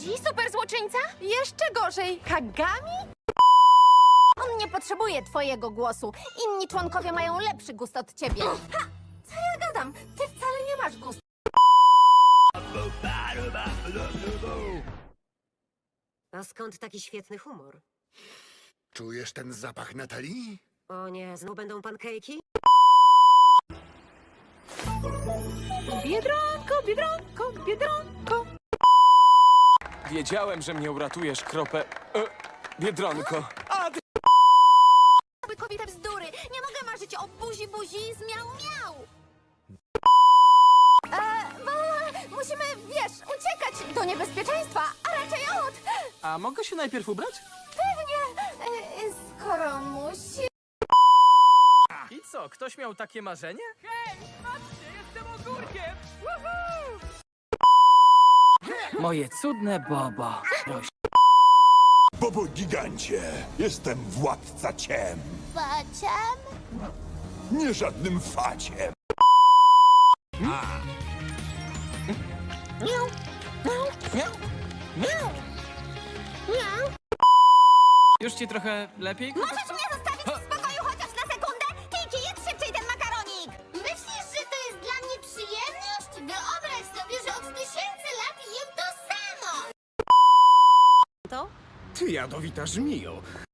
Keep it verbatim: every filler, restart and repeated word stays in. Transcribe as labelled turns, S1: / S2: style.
S1: Budzi, super złoczyńca? Jeszcze gorzej, Kagami?
S2: On nie potrzebuje twojego głosu. Inni członkowie mają lepszy gust od ciebie. Ha! Co ja gadam? Ty wcale nie masz gustu.
S3: A skąd taki świetny humor?
S4: Czujesz ten zapach Natalii?
S3: O nie, znów będą pankejki?
S1: Biedronko, biedronko, biedronko.
S5: Wiedziałem, że mnie uratujesz, kropę... E, Biedronko. A, ty...
S2: Kobieta bzdury. Nie mogę marzyć o buzi buzi z miał miał. E, bo musimy, wiesz, uciekać do niebezpieczeństwa, a raczej od...
S6: A mogę się najpierw ubrać?
S2: Pewnie, e, skoro musi...
S6: I co, ktoś miał takie marzenie? Moje cudne Bobo.
S7: Bobo gigancie, jestem władca ciem.
S2: Faciem?
S7: Nie żadnym faciem.
S6: Już ci trochę lepiej?
S2: Możesz mnie zostawić w spokoju chociaż na sekundę? Kiki, jedz szybciej ten makaronik! Myślisz, że to jest dla mnie przyjemność? Wyobraź sobie, że od tysięcy lat jem to samo!
S3: To?
S8: Ty jadowita żmijo,